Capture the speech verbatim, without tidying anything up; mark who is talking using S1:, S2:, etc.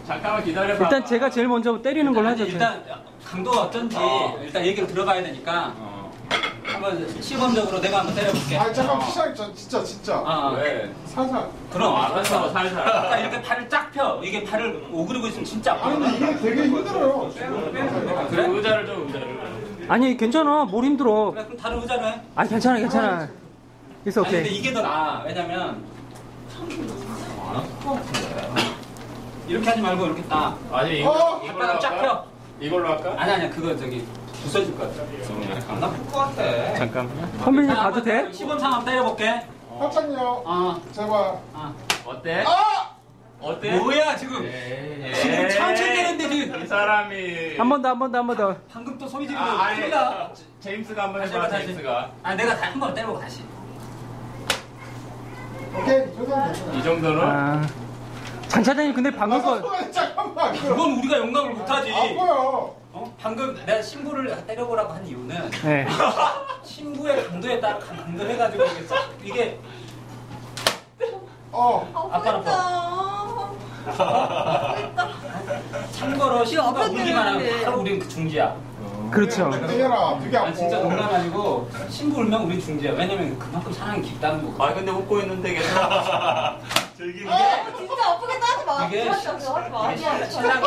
S1: 잠깐만 기다려봐.
S2: 일단 제가 제일 먼저 때리는 걸로 하죠.
S3: 일단 강도가 어떤지
S1: 어.
S3: 일단 얘기를 들어봐야 되니까
S1: 어.
S3: 한번 시범적으로 내가 한번 때려볼게.
S4: 아 잠깐 시작 진짜 진짜.
S3: 아,
S1: 왜?
S4: 살살.
S3: 그럼
S1: 어, 알았어, 살살.
S3: 딱 이렇게 팔을 쫙 펴. 이게 팔을 오그리고 있으면 진짜
S4: 아니
S3: 아프거든.
S4: 근데 이게 되게 힘들어요.
S1: 그래? 의자를 좀 의자를.
S2: 아니 괜찮아. 뭘 힘들어.
S3: 그래, 그럼 다른 의자로 해.
S2: 아니 괜찮아 괜찮아. 있어
S3: 아니 근데
S2: 오케이.
S3: 이게 더 나아. 왜냐면 이렇게 하지 말고 이렇게 딱.
S1: 아니
S4: 어!
S1: 이거 이걸로
S3: 발바닥 쫙
S1: 할까?
S3: 펴.
S1: 이걸로 할까?
S3: 아니 아니야 그거 저기 부서질 것 같아. 안 나쁠 것 같아.
S1: 잠깐만요.
S2: 선배님
S3: 자,
S2: 봐도 돼?
S3: 시범 상황 때려볼게.
S4: 살짝요.
S3: 어.
S4: 제발.
S3: 어.
S1: 어때?
S4: 아!
S1: 어때?
S3: 뭐야 지금?
S1: 에이.
S3: 지금 천천히 때렸는데 지금.
S1: 이 사람이.
S2: 한 번 더 한 번 더 한 번 더.
S3: 방금 또 소리 지르고
S1: 아, 아니.
S3: 큰일나.
S1: 제임스가 한번
S3: 다시
S1: 해봐.
S3: 해봐, 다시.
S1: 제임스가.
S3: 아 내가 한 번 때려보고 다시.
S4: 오케이 이 정도면 됐어.
S1: 이 정도는.
S2: 아, 장 차장님 근데 방금 거
S4: 아, 잠깐만.
S3: 그건 우리가 용납을 못하지.
S4: 아파요.
S3: 어? 방금 내가 신부를 때려보라고 한 이유는
S2: 네.
S3: 신부의 강도에 따라 강도를 해가지고 이게 싹 이게
S4: 어.
S3: 아빠랑
S5: 아프겠다.
S3: 참고로 신부가
S5: 아빠
S3: 울기만 하면
S5: 때문에.
S3: 바로 우리는 그 중지야.
S2: 그렇죠.
S4: 때려라. 되게 아파.
S3: 아 진짜 농담 아니고 신부 울면 우리 중지야. 왜냐면 그만큼 사랑이 깊다는 거.
S1: 아 근데 웃고 있는데 계속. 즐기는 게.
S5: 아, 진짜 아프겠다 하지 마.
S3: 이게
S5: 하지 마. 하지 마.
S3: 이게 신랑